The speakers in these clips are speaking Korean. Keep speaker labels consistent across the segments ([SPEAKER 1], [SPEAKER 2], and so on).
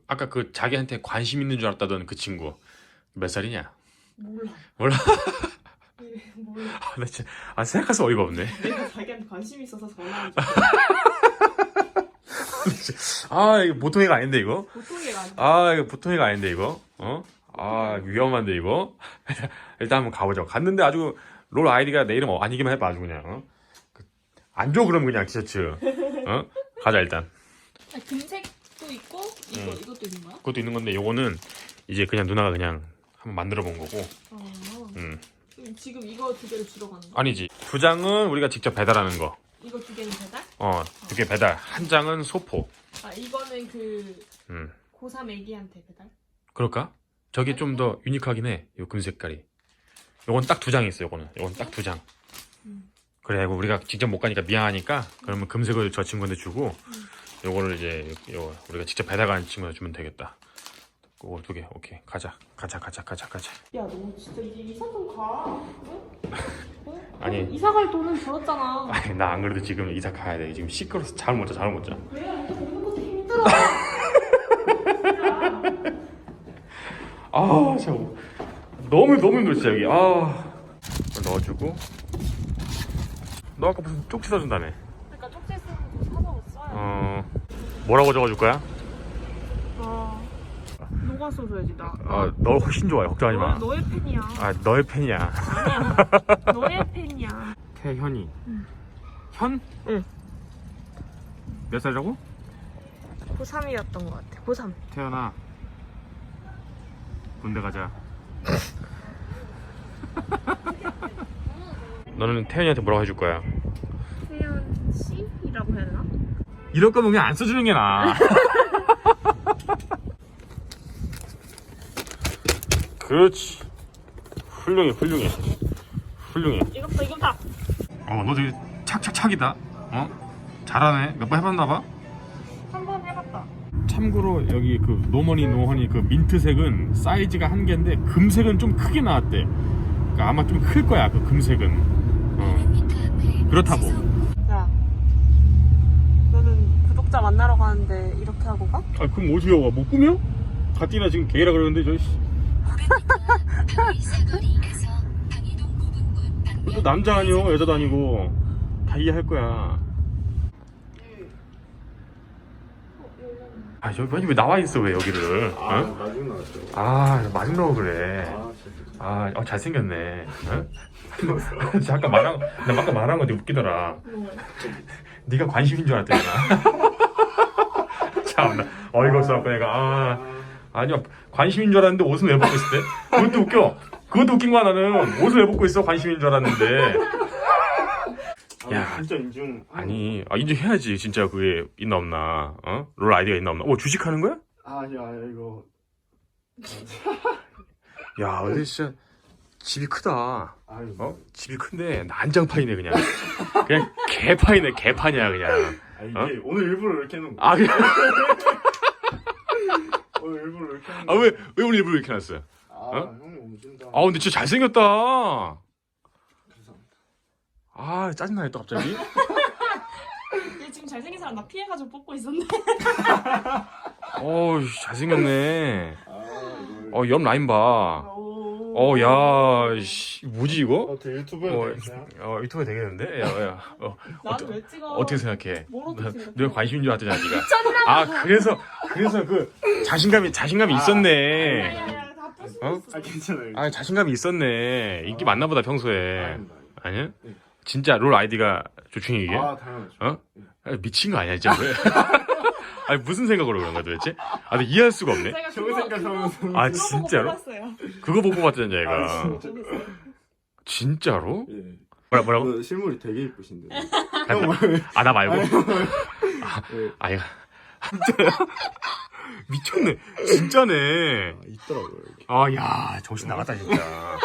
[SPEAKER 1] 아까 그 자기한테 관심 있는 줄 알았다던 그 친구 몇 살이냐?
[SPEAKER 2] 몰라.
[SPEAKER 1] 몰라?
[SPEAKER 2] 몰라.
[SPEAKER 1] 나 진짜 생각해서 어이가 없네.
[SPEAKER 2] 내가 자기한테 관심 있어서 전화한 줄.
[SPEAKER 1] 이거 보통 애가 아닌데 이거?
[SPEAKER 2] 보통 얘가 아니야.
[SPEAKER 1] 이거 보통 애가 아닌데 이거? 위험한데 이거? 일단 한번 가보자. 갔는데 아주 롤 아이디가 내 이름 아니기만 해봐 아주 그냥. 안 줘 그럼 그냥 티셔츠. 가자 일단.
[SPEAKER 2] 금색도 있고 이것도 있는 거야?
[SPEAKER 1] 그것도 있는 건데 요거는 이제 그냥 누나가 그냥 한번 만들어 본 거고.
[SPEAKER 2] 지금 이거 두 개를 주러 가는 거야?
[SPEAKER 1] 아니지. 2장은 우리가 직접 배달하는 거.
[SPEAKER 2] 이거 두 개는 배달?
[SPEAKER 1] 2개 배달. 1장은 소포.
[SPEAKER 2] 이거는 그 고3 애기한테 배달?
[SPEAKER 1] 그럴까? 저게 좀 더 유니크하긴 해. 요 금색깔이. 요건 딱 2장 있어. 요건 딱 2장. 그래, 우리가 직접 못 가니까 미안하니까 그러면 금색을 저 친구한테 주고 요거를 이제 우리가 직접 배달 가는 친구한테 주면 되겠다. 그거 2개. 오케이. 가자.
[SPEAKER 2] 야, 너 진짜 이제 이사 좀 가. 응?
[SPEAKER 1] 아니.
[SPEAKER 2] 이사 갈 돈은 벌었잖아.
[SPEAKER 1] 아니, 나 안 그래도 지금 이사 가야 돼. 지금 시끄러워서 잠을 못 자.
[SPEAKER 2] 왜? 이거 먹는 것도 힘들어.
[SPEAKER 1] 진짜 너무 힘들어 진짜 여기. 넣어주고. 너 아까 무슨 쪽지 사준다며.
[SPEAKER 2] 그러니까 쪽지 쓰는 거 사서 써야.
[SPEAKER 1] 뭐라고 적어줄 거야?
[SPEAKER 2] 너가 써줘야지 나.
[SPEAKER 1] 너 훨씬 좋아해. 걱정하지 마.
[SPEAKER 2] 너의 팬이야.
[SPEAKER 1] 너의 팬이야.
[SPEAKER 2] 아니야. 너의 팬이야.
[SPEAKER 1] 태현이.
[SPEAKER 2] 응.
[SPEAKER 1] 현?
[SPEAKER 2] 응.
[SPEAKER 1] 몇 살이라고?
[SPEAKER 2] 고3이었던 것 같아. 고3.
[SPEAKER 1] 태연아. 군대 가자. 너는 태연이한테 뭐라고 해줄 거야?
[SPEAKER 2] 태연 씨라고 해야 되나?
[SPEAKER 1] 이럴 거면 그냥 안 써주는 게 나아. 그렇지. 훌륭해.
[SPEAKER 2] 이거다.
[SPEAKER 1] 너 되게 착착착이다. 잘하네. 몇 번 해봤나봐.
[SPEAKER 2] 한 번 해봤다.
[SPEAKER 1] 참고로 여기 그 노허니 그 민트색은 사이즈가 한 개인데 금색은 좀 크게 나왔대. 그러니까 아마 좀 클 거야 그 금색은. 그렇다고.
[SPEAKER 2] 야, 너는 구독자 만나러 가는데 이렇게 하고 가?
[SPEAKER 1] 그럼 어떻게 와? 뭐 꾸며? 가뜩이나 지금 게이라 그러는데 저 씨. 또 남자 아니요 여자도 아니고 다 이해할 거야. 여기 왜 나와 있어 왜 여기를?
[SPEAKER 3] 나중에 나왔죠.
[SPEAKER 1] 마중 나오고 그래. 잘생겼네. 아까 말한 거 되게 웃기더라. 네가 관심인 줄 알았더니. 참나 어이가 없어갖고 내가 아니야 관심인 줄 알았는데 옷은 왜 벗고 있을 때? 그것도 웃겨. 그것도 웃긴 거야 나는. 옷을 왜 벗고 있어 관심인 줄 알았는데. 야
[SPEAKER 3] 진짜 인중.
[SPEAKER 1] 아니 인증해야지 진짜 그게 있나 없나. 롤 아이디가 있나 없나. 주식하는 거야?
[SPEAKER 3] 아니야 이거.
[SPEAKER 1] 야 근데 진짜 집이 크다.
[SPEAKER 3] 아유.
[SPEAKER 1] 집이 큰데 난장판이네 그냥. 그냥 개판이네 개판이야 그냥.
[SPEAKER 3] 이게 오늘 일부러 이렇게 해놓은 거.
[SPEAKER 1] 그래?
[SPEAKER 3] 오늘 일부러 이렇게 해놓은 거.
[SPEAKER 1] 왜 오늘 일부러 이렇게 해놨어요?
[SPEAKER 3] 형이 오신다.
[SPEAKER 1] 근데 진짜 잘생겼다.
[SPEAKER 3] 감사합니다.
[SPEAKER 1] 짜증나네 또 갑자기.
[SPEAKER 2] 얘 지금 잘생긴 사람 나 피해가지고 뽑고 있었네.
[SPEAKER 1] 잘생겼네.
[SPEAKER 3] 이걸.
[SPEAKER 1] 옆 라인 봐. 야, 씨, 뭐지 이거?
[SPEAKER 3] 유튜브에 되겠어요?
[SPEAKER 1] 유튜브에 되겠는데? 야.
[SPEAKER 2] 나는 왜 찍어?
[SPEAKER 1] 어떻게 생각해?
[SPEAKER 2] 뭘 어떻게 생각해?
[SPEAKER 1] 내가 관심인 줄 알았더니 네가. 그래서 그 자신감이 있었네.
[SPEAKER 2] 야야야 다 부수고 있어.
[SPEAKER 3] 괜찮아요.
[SPEAKER 1] 자신감이 있었네. 인기 많나 보다 평소에.
[SPEAKER 3] 아닙니다.
[SPEAKER 1] 아니야?
[SPEAKER 3] 네.
[SPEAKER 1] 진짜 롤 아이디가 조충이 이게?
[SPEAKER 3] 당연하죠.
[SPEAKER 1] 미친 거 아니야 진짜 왜? 무슨 생각으로 그런 거야 도대체? 근데 이해할 수가 없네.
[SPEAKER 2] 제가
[SPEAKER 3] 저거 생각하면서.
[SPEAKER 1] 아, 진짜로?
[SPEAKER 2] 그거
[SPEAKER 1] 그거 보고 봤잖아 얘가. 진짜로?
[SPEAKER 3] 예.
[SPEAKER 1] 뭐라고?
[SPEAKER 3] 실물이 되게 이쁘신데.
[SPEAKER 1] 나 말고?
[SPEAKER 3] 예.
[SPEAKER 1] 진짜야? 미쳤네. 진짜네.
[SPEAKER 3] 있더라고요.
[SPEAKER 1] 야 정신 나갔다 진짜.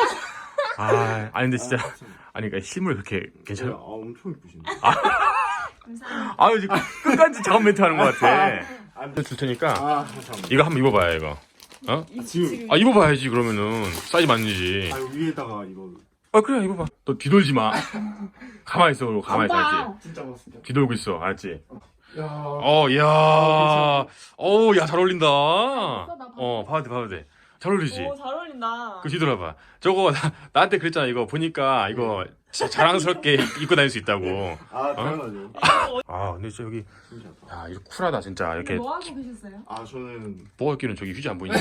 [SPEAKER 1] 근데 진짜 그러니까 실물 그렇게 괜찮아?
[SPEAKER 3] 엄청 이쁘신데.
[SPEAKER 2] 감사합니다.
[SPEAKER 1] 지금 끝까지 작업 멘트 하는 것 같아. 줄 테니까
[SPEAKER 3] 감사합니다.
[SPEAKER 1] 이거 한번 입어봐요 이거.
[SPEAKER 3] 지금.
[SPEAKER 1] 입어봐야지 그러면은 사이즈 맞는지.
[SPEAKER 3] 위에다가 이거.
[SPEAKER 1] 그래 입어봐. 너 뒤돌지 마. 가만히 있어. 가만히 있어야지.
[SPEAKER 3] 진짜 맞습니다.
[SPEAKER 1] 뒤돌고 있어 알았지? 야. 어우, 야, 잘 어울린다.
[SPEAKER 2] 나
[SPEAKER 1] 봐도 돼. 잘 어울리지?
[SPEAKER 2] 오, 잘 어울린다.
[SPEAKER 1] 그 뒤돌아봐. 저거, 나한테 그랬잖아. 이거 보니까, 이거, 진짜 자랑스럽게 입고 다닐 수 있다고.
[SPEAKER 3] 아 당연하죠.
[SPEAKER 1] 아, 근데 진짜 여기,
[SPEAKER 3] 신기하다.
[SPEAKER 1] 야, 이거 쿨하다, 진짜. 이렇게,
[SPEAKER 2] 뭐 하고 계셨어요?
[SPEAKER 3] 아 저는
[SPEAKER 1] 뭐가 있기는 저기 휴지 안 보이냐.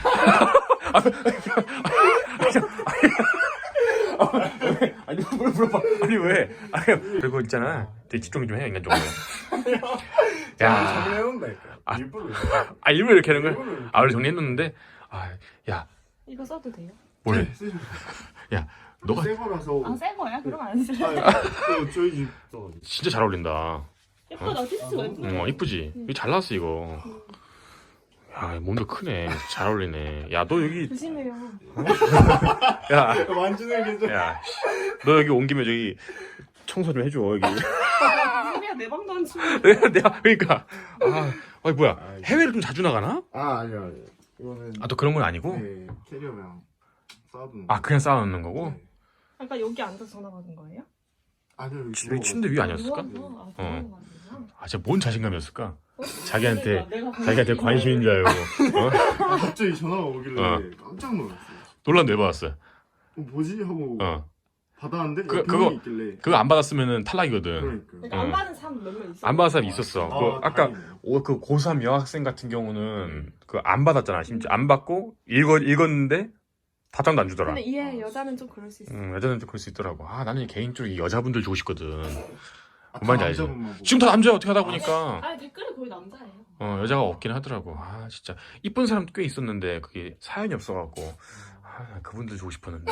[SPEAKER 1] 아니, 뭘 물어봐. 아니, 왜? 아니, 그리고 있잖아. 되게 집중 좀 해, 인간적으로. 야.
[SPEAKER 3] 정리해놓는다니까.
[SPEAKER 1] 아.
[SPEAKER 3] 일부러.
[SPEAKER 1] 일부러 이렇게 하는 거야?
[SPEAKER 3] 일부러.
[SPEAKER 1] 원래 정리했는데, 야,
[SPEAKER 2] 이거 써도 돼요?
[SPEAKER 1] 뭐래?
[SPEAKER 3] 쓰죠.
[SPEAKER 1] 야, 너가
[SPEAKER 3] 새 거라서.
[SPEAKER 2] 아, 새 거야? 그럼 안 쓰죠.
[SPEAKER 3] 또 저희 집 또.
[SPEAKER 1] 진짜 잘 어울린다.
[SPEAKER 2] 예쁘다, 피스가 예쁘다.
[SPEAKER 1] 이쁘지? 이거 잘 나왔어, 이거. 야, 몸도 크네. 잘 어울리네. 야, 너 여기,
[SPEAKER 2] 조심해요.
[SPEAKER 1] 야,
[SPEAKER 3] 만지는 게 좀.
[SPEAKER 1] 야, 너 여기 온 김에 저기 청소 좀 해줘, 여기.
[SPEAKER 2] 소리야, 내 방도 안 치고.
[SPEAKER 1] 내가, 그러니까. 뭐야. 해외를 좀 자주 나가나?
[SPEAKER 3] 아니요. 이거는.
[SPEAKER 1] 또 그런 건 아니고?
[SPEAKER 3] 네 캐리어랑 쌓아두는.
[SPEAKER 1] 그냥 쌓아놓는 거고?
[SPEAKER 3] 네.
[SPEAKER 2] 아까 여기 앉아서 전화 받은 거예요?
[SPEAKER 3] 아니요.
[SPEAKER 1] 여기 침대 위에 아니었을까?
[SPEAKER 2] 누워서? 아, 그런 거 아니구나.
[SPEAKER 1] 진짜 뭔 자신감이었을까?
[SPEAKER 2] 어?
[SPEAKER 1] 자기한테,
[SPEAKER 2] 내가
[SPEAKER 1] 자기한테 관심인 줄 알고.
[SPEAKER 3] 갑자기 전화가 오길래 깜짝 놀랐어요.
[SPEAKER 1] 놀란 왜 받았어?
[SPEAKER 3] 뭐지 하고 받았는데
[SPEAKER 1] 그거-
[SPEAKER 3] 병원이 있길래.
[SPEAKER 1] 그거 안 받았으면은 탈락이거든.
[SPEAKER 3] 그러니까.
[SPEAKER 2] 그러니까 안 받은 사람 몇 명 있어.
[SPEAKER 1] 안 받은 사람 있었어. 아까
[SPEAKER 3] 다행이네요.
[SPEAKER 1] 그 고3 여학생 같은 경우는 그 안 받았잖아. 심지어 안 받고 읽었는데 답장도 안 주더라.
[SPEAKER 2] 근데 얘 여자는 좀 그럴 수 있어.
[SPEAKER 1] 여자는 좀 그럴 수 있더라고. 나는 개인적으로 이 여자분들 주고 싶거든.
[SPEAKER 3] 아,
[SPEAKER 1] 뭔 말인지 알지?
[SPEAKER 3] 남자분만 보고.
[SPEAKER 1] 지금 다 남자야 어떻게 하다 보니까
[SPEAKER 2] 아니 댓글이 거의 남자예요.
[SPEAKER 1] 여자가 없긴 하더라고. 진짜 이쁜 사람도 꽤 있었는데 그게 사연이 없어갖고 그분들 주고 싶었는데.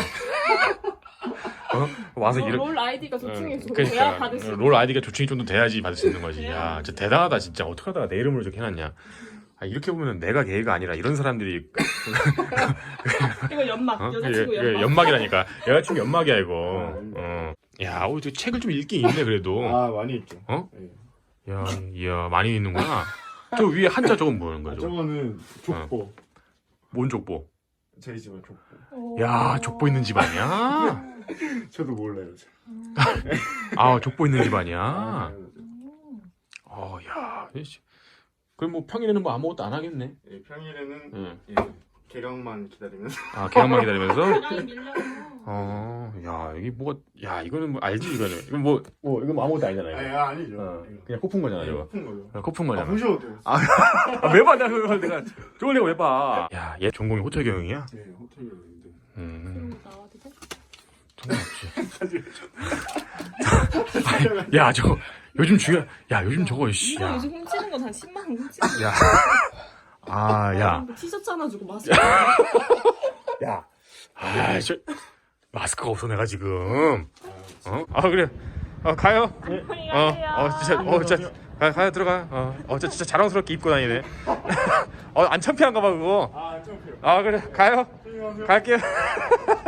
[SPEAKER 1] 와서 이런
[SPEAKER 2] 롤 아이디가 조충해 줘.
[SPEAKER 1] 그러니까
[SPEAKER 2] 대학 받을 수.
[SPEAKER 1] 롤 아이디가 조충이 좀 더 돼야지 받을 수 있는 거지. 야,
[SPEAKER 2] 돼야.
[SPEAKER 1] 진짜 대단하다 진짜. 어떻게 하다가 내 이름으로 저렇게 해놨냐. 이렇게 보면 내가 게이가 아니라 이런 사람들이
[SPEAKER 2] 이거 연막. 여자친구 연막.
[SPEAKER 1] 연막이라니까. 여자친구 연막이야 이거. 야, 저 책을 좀 읽긴 읽네 그래도.
[SPEAKER 3] 아 많이 있죠. 네.
[SPEAKER 1] 야, 많이 읽는구나. 저 위에 한자 저건 뭐는 거야? 저거?
[SPEAKER 3] 저거는 족보.
[SPEAKER 1] 뭔 족보?
[SPEAKER 3] 저희 집은 족보.
[SPEAKER 2] 오.
[SPEAKER 1] 야, 족보 있는 집 아니야?
[SPEAKER 3] 저도 몰라요.
[SPEAKER 1] 족보 있는 집 아니야?
[SPEAKER 3] 당연하죠.
[SPEAKER 1] 야, 그럼 뭐 평일에는 뭐 아무것도 안 하겠네.
[SPEAKER 3] 예, 평일에는
[SPEAKER 1] 응.
[SPEAKER 3] 개강만 기다리면서.
[SPEAKER 1] 개강만 기다리면서.
[SPEAKER 2] 사랑이 밀려서.
[SPEAKER 1] 야, 이게 뭐가, 야, 이거는 뭐 알지, 이거는. 이건 이건 뭐 아무것도 아니잖아, 이거.
[SPEAKER 3] 아니죠.
[SPEAKER 1] 그냥 코푼 거잖아, 저거.
[SPEAKER 3] 높은 거죠.
[SPEAKER 1] 코푼 거잖아.
[SPEAKER 3] 보셔도 돼요.
[SPEAKER 1] 왜 봐, 내가. 저걸 내가 왜 봐. 야, 얘 전공이 호텔 경영이야?
[SPEAKER 3] 네, 호텔이었는데.
[SPEAKER 2] 그럼 나와도 돼?
[SPEAKER 1] 상관없지. 야, 저거, 요즘 요즘 저거, 씨.
[SPEAKER 2] 이거
[SPEAKER 1] 야.
[SPEAKER 2] 요즘 훔치는 건 한 10만 원 훔치는 거.
[SPEAKER 1] 야.
[SPEAKER 2] 티셔츠 하나 주고 마스크.
[SPEAKER 1] 야. 마스크가 없어, 내가 지금. 그래. 가요. 진짜. 가요, 들어가. 진짜 자랑스럽게 입고 다니네. 안 창피한가 봐, 그거.
[SPEAKER 3] 좀 필요.
[SPEAKER 1] 그래, 가요. 갈게요.